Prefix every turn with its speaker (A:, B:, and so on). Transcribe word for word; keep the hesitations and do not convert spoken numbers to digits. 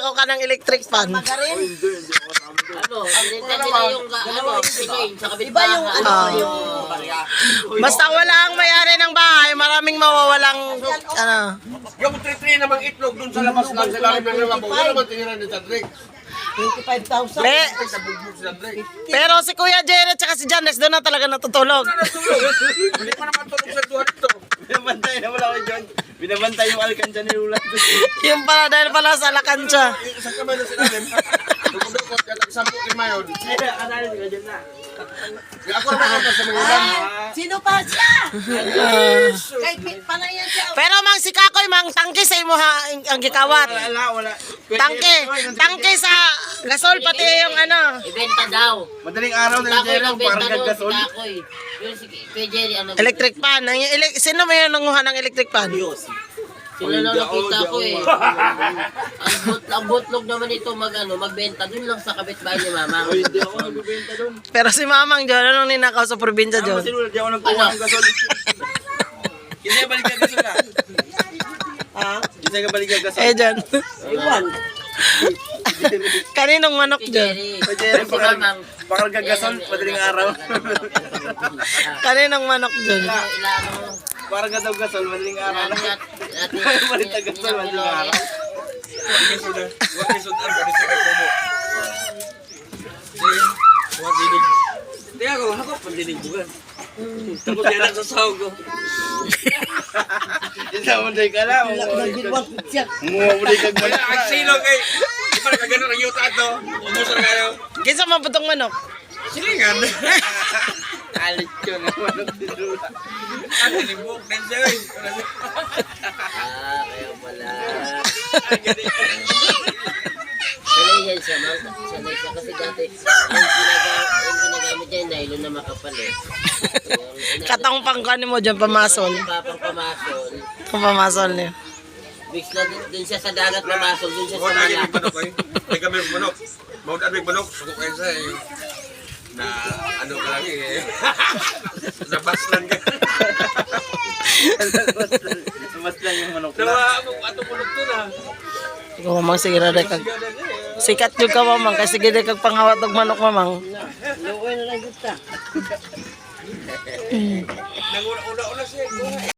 A: Ako ka ng electric fan.
B: Magarin.
C: Ano, binenta nila yung ka- ano, pinoy sa
B: Iba yung
C: kapitbahay.
B: ano,
A: Ah.
B: yung...
A: Basta wala ang may-ari ng bahay, maraming mawawalang, ano.
D: Yung three-three namang itlog dun sa labas lang sa lalim ng lamabo. Wala naman tinira ni Sandrick.
B: twenty-five thousand.
A: Be,
D: Sa bugbog si Sandrick.
A: pero si Kuya Jared at si Janes doon na talaga natutulog.
D: Hindi pa naman tulog sa duha dito.
E: Binabantay na wala ko dyan. Binabantay yung alkansya ni Ulat.
A: Yung pala, dahil pala sa Lakansya.
D: Isang kamay na sinalim. Dukot-dukot, kaya sampu kimayon.
E: Analyze ka dyan na.
D: Kaya ako naman ako sa mga ulan.
B: Sino pa siya? Kahit pit pa na yan siya.
A: Pero mang si Kakoy, mang tangke sa imo ha, ang, ang gikawat.
E: Wala, wala.
A: Tangke, tangke sa gasol pati yung ano.
C: Ibenta daw.
E: Madaling araw na
C: Takoy
E: yung
C: lang
E: parang
C: benta doon, si
E: gaggasol.
C: Takoy. Yung si Kuya Jerry, ano.
A: Electric fan. Ang, ele- sino may nanguha ng electric fan?
C: Sila na nakita ko eh. Ang, but, ang butlog naman ito mag, ano, magbenta dun lang sa kapitbahay ni Mama.
E: Hindi ako nagbibenta doon.
A: Pero si Mamang John, anong ninakaw sa probinsya
E: Ano
A: John?
E: kasi Ulat, di ako nagkuha ng gasol. Kasi balik ka gasol na.
A: Ha?
E: Kasi ka balik ka gasol.
A: Eh John.
B: Iwan.
A: Kaninong manok
C: Si
A: John?
C: Jerry.
E: Kuya Jerry,
C: Si
E: bakal,
C: Mamang.
E: bakal gagasol, madaling araw.
A: Kaninong manok John?
C: Ilan mo.
E: Parang gadaw gasol, madaling araw.
C: Ilan
E: Balik ka gasol, madaling araw.
D: Hindi ako, ako pandinig bukan. Tapos yan ang sasaw ko.
E: Hindi naman tayo ka lang.
B: Nagbilwang siya.
E: Mumuli ka
D: Wala, ang silog eh. Di pa nakagano ng yuta ito. Umusan kayo.
A: Kinsa mabutong manok?
D: Silingan.
E: Alit yun. Naman ang tinula.
D: Ano, nibuk din siya eh.
C: Ah, kaya pala. Sanay yan siya, ma'am. Sanay siya kasi dati yung ginagamit, yung ginagamit niya, yung nylon na makapal eh. Yung-
A: Katong pangkani mo dyan, pamasol.
C: Yung papang pamasol.
A: Kung pamasol niya.
C: Mix na dun, dun siya sa dagat pamasol, dun siya sa
D: Mawad agad
C: malak.
D: yung manok eh. May kami yung manok. Mawad agad yung manok. Suko kayo sa eh. Na ano ka lang eh. Nabaslan ka.
E: Mas lang yung manok
D: Pero
E: na.
D: ako, ato manok to na.
A: Ikaw mamang sige na rin kag... Sikat yung ka mamang, kasi sige rin kag panghawat ng manok mamang.
B: Luoy na lang kita.
D: Nanguna-una-una siya.